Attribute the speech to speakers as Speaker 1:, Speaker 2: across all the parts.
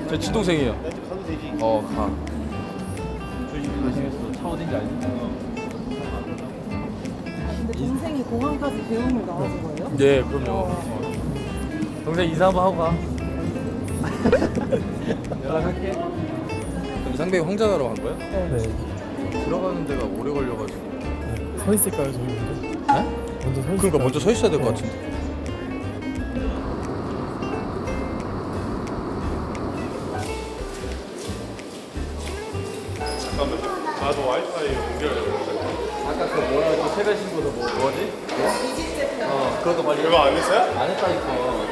Speaker 1: 저 친동생이에요.
Speaker 2: 가도 되지.
Speaker 1: 가. 잘생겼어. 차 어딘지 알지?
Speaker 3: 근데 동생이 공항까지 배웅을 나와준 거예요?
Speaker 1: 네, 그럼요. 동생 인사 한번 하고 가. 연락할게. 그럼 상백이 홍자나로 간 거야?
Speaker 4: 네.
Speaker 1: 들어가는 데가 오래 걸려가지고.
Speaker 4: 서 있을까요, 저희 먼저?
Speaker 1: 네?
Speaker 4: 먼저 서 있을까요?
Speaker 1: 그러니까 먼저 서 있어야 될 것 같은데.
Speaker 2: 잠깐만요. 너 와이파이 연결해.
Speaker 1: 아까 그 뭐라 했지? 세배 신고도 뭐지? 그것도 빨리.
Speaker 2: 그거 안 했어요?
Speaker 1: 안 했다니까.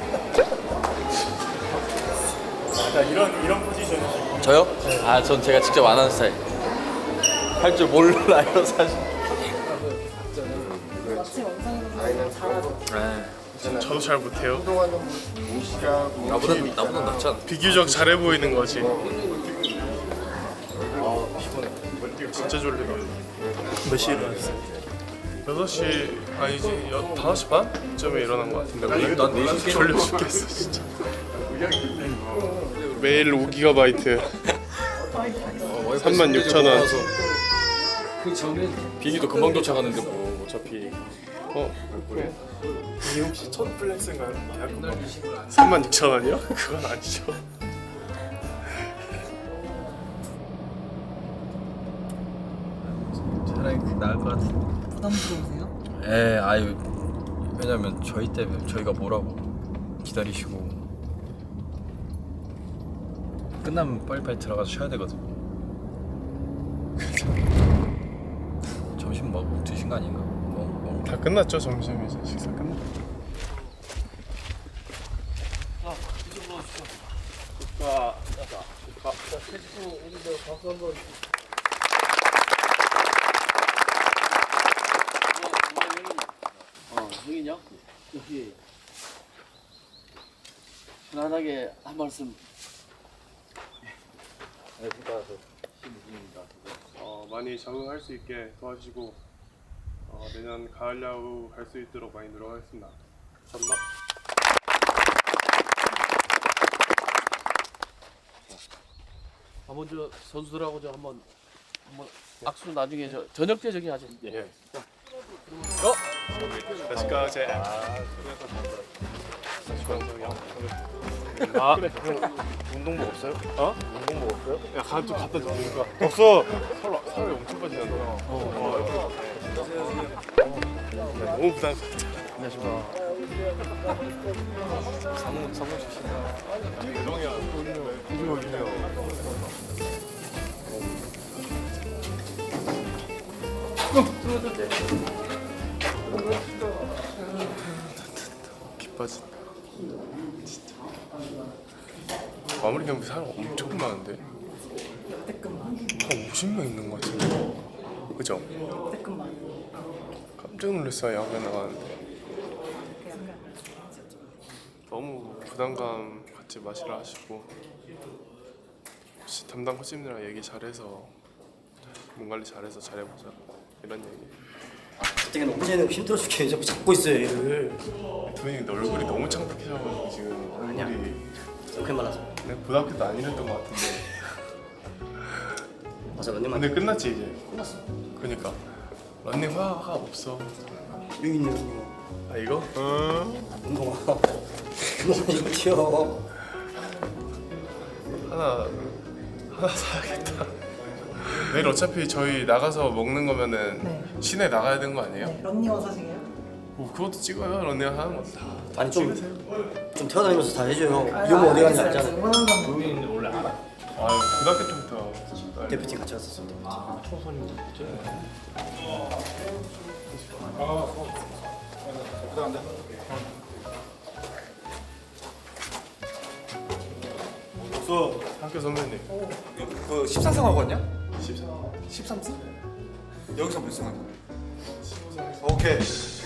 Speaker 2: 이런 포지션이시고.
Speaker 1: 저요? 아, 전 제가 직접 안 하는 스타일. 할 줄 몰라요, 사실.
Speaker 3: 마치 원상이 잘하죠.
Speaker 2: 저도 잘 못해요.
Speaker 1: 나보다 낫잖아.
Speaker 2: 비교적 잘해 보이는 거지. 진짜 졸리다. 몇 시에 일어났어요? 6시 아니지 5시 반쯤에 일어난 것 같은데 오늘?
Speaker 1: 난 4시
Speaker 2: 졸려 죽겠어 진짜. 매일 5GB 36,000원.
Speaker 1: 비행기도 금방 도착하는데 뭐 어차피.
Speaker 2: 그래? 이게 혹시 첫 플렉스인가요? 36,000원이요? 그건 아니죠.
Speaker 1: 차라리 그게 나을 것 같은데.
Speaker 3: 부담스러우세요?
Speaker 1: 에, 아유. 왜냐면 저희 때문에 저희가 뭐라고 기다리시고 끝나면 빨리빨리 들어가서 쉬어야 되거든. 점심 먹고 드신 거 아닌가?
Speaker 2: 다 끝났죠 점심 이제 식사 끝났.
Speaker 5: 여기냐? 여기 편안하게 한 말씀.
Speaker 2: 많이 적응할 수 있게 도와주시고 내년 가을 야구 갈 수 있도록 많이 노력하겠습니다. 감사합니다.
Speaker 5: 먼저 선수들하고 저 한번 악수 나중에 저 저녁 때 저기 하죠.
Speaker 2: 예. Let's go, 제.
Speaker 6: 운동복 없어요? 운동복 없어요?
Speaker 2: 야, 좀 갖다 주니까. 없어. 살이 엄청 빠지잖아. 너무 부담스럽다.
Speaker 1: 성공 출신.
Speaker 2: 대동이야. 고생하시네요. 기빠진다. 진짜. 마무리 경기 사람 엄청 많은데. 한 50명 있는 것 같은데. 그죠? 깜짝 놀랐어요. 야구에 나가는데. 너무 부담감 갖지 마시라 하시고 혹시 담당 코치님이랑 얘기 잘해서 몸 관리 잘해서 잘해보자 이런 얘기.
Speaker 6: 그때는 어제는 힘들어 죽게 자꾸 잡고 있어요 얘를.
Speaker 2: 도현이 근데 얼굴이 너무 창백해져가지고 지금 얼굴이
Speaker 6: 그렇게 말하죠.
Speaker 2: 내가 고등학교 때 안 이랬던 것 같은데.
Speaker 6: 맞아 런닝만.
Speaker 2: 근데 끝났지 이제. 끝났어. 그니까 런닝 화가 없어.
Speaker 6: 여기 있네 런닝.
Speaker 2: 아 이거?
Speaker 6: 운동화. 운동화 이거 튀어.
Speaker 2: 하나 사야겠다. 내일 어차피 저희 나가서 먹는 거면은
Speaker 3: 네.
Speaker 2: 시내 나가야 되는 거 아니에요?
Speaker 3: 네, 런닝원 사시게요?
Speaker 2: 뭐 그것도 찍어요. 런닝 하는 거 다.
Speaker 6: 아니 좀 태어다니면서 다 해줘요.
Speaker 3: 아,
Speaker 6: 이거 뭐 어디 가는지
Speaker 3: 알겠어요.
Speaker 6: 알잖아.
Speaker 3: 응원한다는
Speaker 2: 아유 고등학교 때부터.
Speaker 6: 대표팀 같이 갔었어 대표팀.
Speaker 2: 학교 선배님.
Speaker 7: 그 13승 하고 왔냐?
Speaker 2: 14.
Speaker 7: 13승? 여기서 몇 승 하냐? 오케이.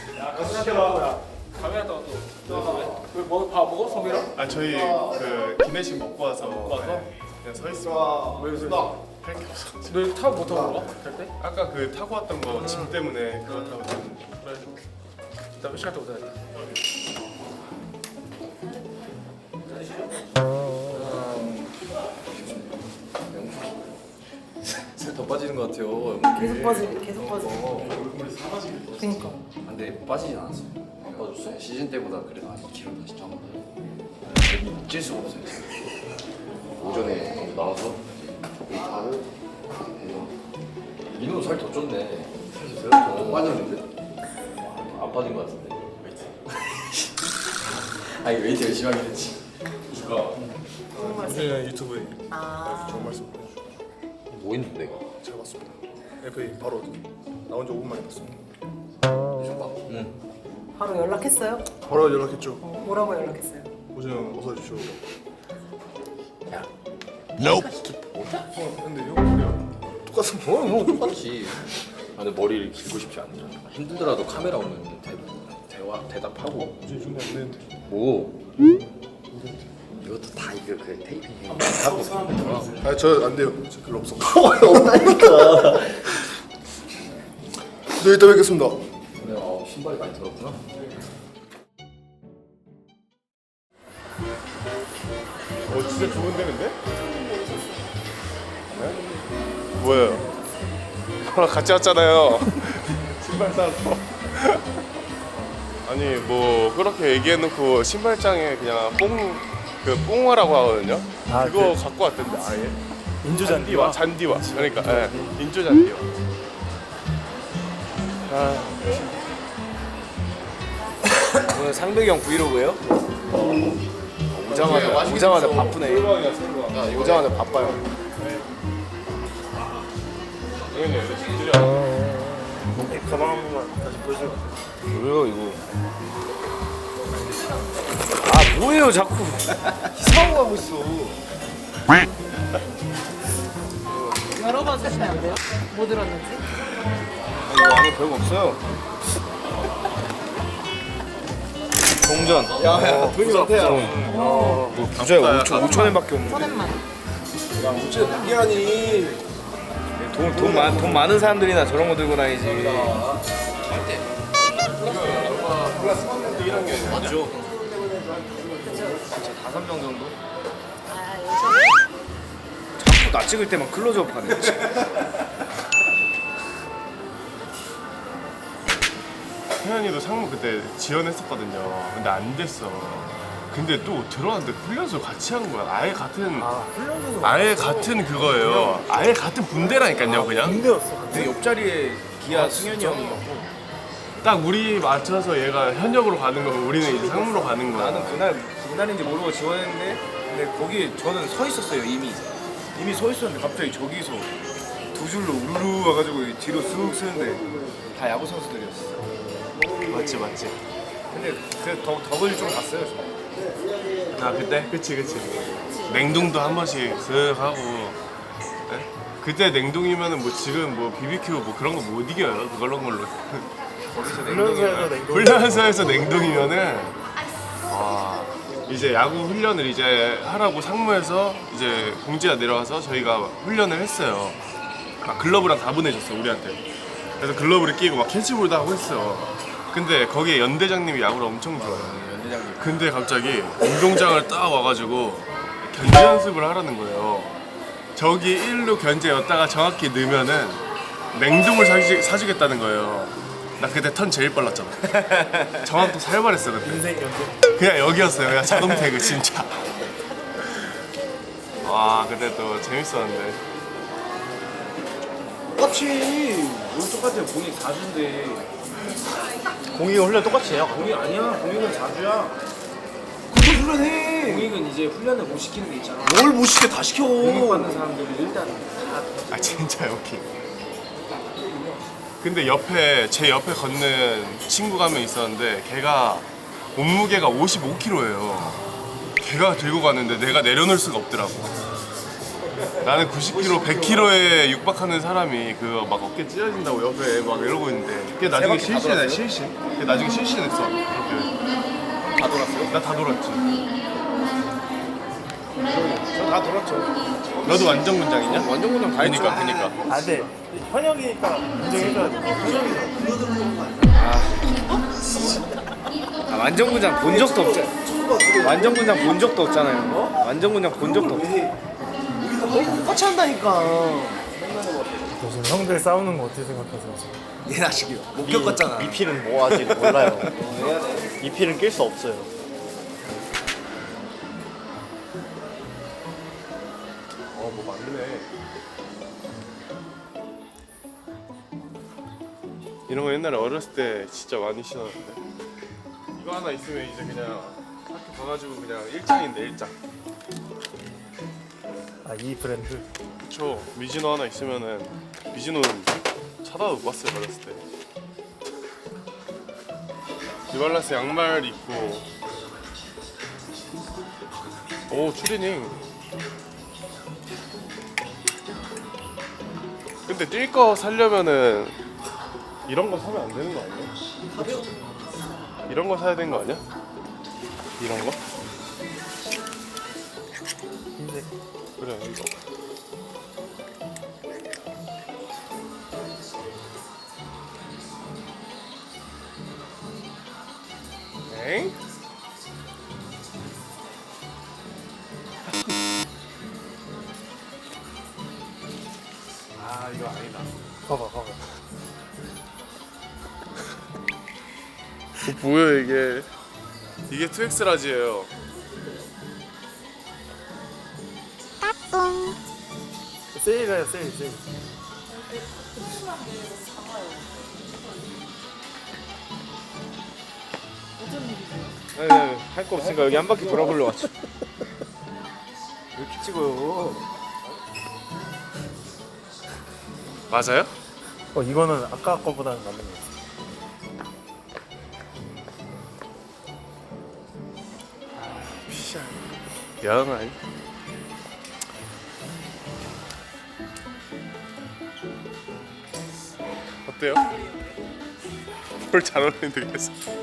Speaker 2: 아 저희 그 기내식 먹고 와서 그냥 서 있어. 왜 할게 없어.
Speaker 1: 너 타고 못 타고 가? 갈 때?
Speaker 2: 아까 그 타고 왔던 거 짐 때문에 그거 타고 좀 그래.
Speaker 1: 나몇 시간 동안 타야 돼? 더 빠지는 것 같아요.
Speaker 3: 계속 빠지고 계속 빠지고. 그니까.
Speaker 1: 근데 빠지진 않았어요. 안 빠졌어요? 시즌 때보다 그래도 한 2kg 다시 쪄. 찔 수가 없어요 지금. 오전에 나와서 웨이트하고 민호 살 더 쪘네. 더 빠졌는데? 안 빠진 것 같은데 웨이트. 아니 웨이트 열심히 하긴 했지. 누가?
Speaker 2: 우진이 유튜브에
Speaker 3: 아.
Speaker 2: 좋은 말씀 보내주셔서
Speaker 1: 뭐 했는데 내가?
Speaker 2: 잘 봤습니다. FA 바로 나온 지 5분 만에 봤습니다.
Speaker 1: 응.
Speaker 3: 바로 연락했어요?
Speaker 2: 바로 연락했죠.
Speaker 3: 뭐라고 연락했어요?
Speaker 2: 우진 형 어서 오십시오.
Speaker 1: 야.
Speaker 2: 근데 형 머리랑 똑같은 거.
Speaker 1: 형 똑같지. 아, 근데 머리를 길고 싶지 않냐. 힘들더라도 카메라 오면 대답하고.
Speaker 2: 우진이 준비 안 되는데.
Speaker 1: 뭐? 이것도 다 이거 그 테이핑 하고
Speaker 2: 아 저 안 돼요. 저 글로 없어.
Speaker 1: 없다니까.
Speaker 2: 네 이따 뵙겠습니다.
Speaker 1: 근데 신발이 많이 들었구나.
Speaker 2: 진짜 좋은 데는데? 네? 뭐예요? 저랑 같이 왔잖아요. 신발 사러. 아니 뭐 그렇게 얘기해놓고 신발장에 그냥 뽕화라고 하거든요.
Speaker 4: 아,
Speaker 2: 그거 갖고 왔던데 아예.
Speaker 4: 인조잔디와
Speaker 2: 잔디와. 그러니까 예. 인조 잔디요.
Speaker 6: 오늘 상백이 형 브이로그예요? 오자마자 바쁘네. 오자마자 바빠요.
Speaker 2: 가방 한 번만 다시 보여줘.
Speaker 6: 뭐예요 이거? 아 뭐예요 자꾸 이상한 거 하고 있어.
Speaker 3: 열어봐 주시면 안 돼요? 뭐 들었는지?
Speaker 6: 이거 안에 별거 없어요. 동전.
Speaker 2: 야야 돈이 많대요.
Speaker 6: 뭐 부자야 5천엔밖에 없는데.
Speaker 3: 천엔만.
Speaker 2: 이게 아니.
Speaker 6: 돈 많은 사람들이나 저런 거 들고 다니지.
Speaker 1: 맞죠?
Speaker 6: 진짜 5명 정도?
Speaker 3: 아,
Speaker 6: 자꾸 나 찍을 때만 클로즈업 하네.
Speaker 2: 태현이도 상무 그때 지원했었거든요. 근데 안 됐어. 근데 또 들어왔는데 훈련소 같이 한 거야. 아예 같은 그거예요. 아예 같은 분대라니까요, 그냥.
Speaker 4: 군대였어.
Speaker 6: 근데 옆자리에 기아 승현이 형이 있고
Speaker 2: 딱 우리 맞춰서 얘가 현역으로 가는 거고 우리는 이제 상무로 가는 거야.
Speaker 6: 나는 그날인지 모르고 지원했는데 근데 거기 저는 서 있었어요 이미 서 있었는데 갑자기 저기서 두 줄로 우르르 와가지고 뒤로 쑥 쓰는데 다 야구 선수들이었어.
Speaker 2: 맞지.
Speaker 6: 근데 그 덕을 좀 봤어요 저.
Speaker 2: 아 그때? 그치. 냉동도 한 번씩 쓱 하고. 네? 그때 냉동이면은 뭐 지금 뭐 BBQ 뭐 그런 거 못 이겨요. 그런 걸로.
Speaker 4: 훈련소에서 냉동.
Speaker 2: 훈련소에서 냉동이면은 이제 야구 훈련을 이제 하라고 상무에서 이제 공지가 내려와서 저희가 훈련을 했어요. 막 글러브랑 다 보내줬어 우리한테. 그래서 글러브를 끼고 막 캐치볼도 하고 했어. 근데 거기에 연대장님이 야구를 엄청 좋아해요. 근데 갑자기 운동장을 딱 와가지고 견제 연습을 하라는 거예요. 저기 1루 견제였다가 정확히 넣으면은 냉동을 사주겠다는 거예요. 나 그때 턴 제일 빨랐잖아. 정확도 살벌했어 그때.
Speaker 4: 인생 연대.
Speaker 2: 그냥 여기였어요. 그냥 자동 태그 진짜. 와 그때 또 재밌었는데.
Speaker 6: 똑같이 뭘 똑같아요. 공이 4주인데
Speaker 4: 공이가 훈련 똑같이 해요.
Speaker 6: 공이 아니야. 공익은 4주야.
Speaker 4: 그거 훈련해.
Speaker 6: 공익은 이제 훈련을 못 시키는 게 있잖아.
Speaker 4: 뭘 못 시켜 다 시켜.
Speaker 6: 공익 받는 사람들은 일단
Speaker 2: 아 진짜 여기. 근데 제 옆에 걷는 친구가 한 명 있었는데 걔가 몸무게가 55kg예요. 걔가 들고 가는데 내가 내려놓을 수가 없더라고. 나는 90kg, 100kg에 육박하는 사람이 그거 막 어깨 찢어진다고 옆에 막 이러고 있는데 걔 나중에 실신해, 실신. 걔 나중에 실신했어. 그렇게.
Speaker 6: 다 돌았어요.
Speaker 2: 나 다 돌았지.
Speaker 6: 저 다 돌았죠.
Speaker 2: 너도 완전 군장이냐?
Speaker 6: 완전 그냥 다 했죠.
Speaker 2: 그니까.
Speaker 4: 아 근데 현역이니까 인정해줘야 돼.
Speaker 6: 아, 완전군장 본 적도 없잖아. 완전군장 본 적도 없잖아요. 완전군장 본 적도 없어.
Speaker 3: 똑같이 한다니까.
Speaker 4: 요즘 형들 싸우는 거 어떻게 생각하세요?
Speaker 6: 얘 자식이요. 못 겪었잖아.
Speaker 4: 미필은 뭐 아직 몰라요. 미필은 낄 수 없어요.
Speaker 2: 뭐 맞네. 이런 거 옛날에 어렸을 때 진짜 많이 신었는데. 이거 하나 있으면 이제 그냥 학교 가가지고 그냥 일장인데 일장.
Speaker 4: 아, 이 브랜드.
Speaker 2: 그쵸. 미즈노 하나 있으면은 미즈노는 쳐다도 못 봤어요 어렸을 때. 뉴발란스 양말 입고. 오 추리닝. 근데 뛸 거 사려면은 이런 거 사면 안 되는 거 아니야? 이런 거 사야 되는 거 아니야? 이런 거?
Speaker 4: 흰색.
Speaker 2: 그래 이거. 엥? 아 이거 아니다.
Speaker 4: 봐봐, 봐봐.
Speaker 2: 뭐야 이게? 이게 2X 라지예요.
Speaker 4: 세일해요, 세일, 세일.
Speaker 2: 아니 할 거 없으니까 여기 한 바퀴 돌아보려 왔죠.
Speaker 6: 이렇게 찍어요.
Speaker 2: 맞아요?
Speaker 4: 이거는 아까 거보다는 맞는 것 같아.
Speaker 2: 영 아니? 어때요? 뭘 잘 어울리는데 계속.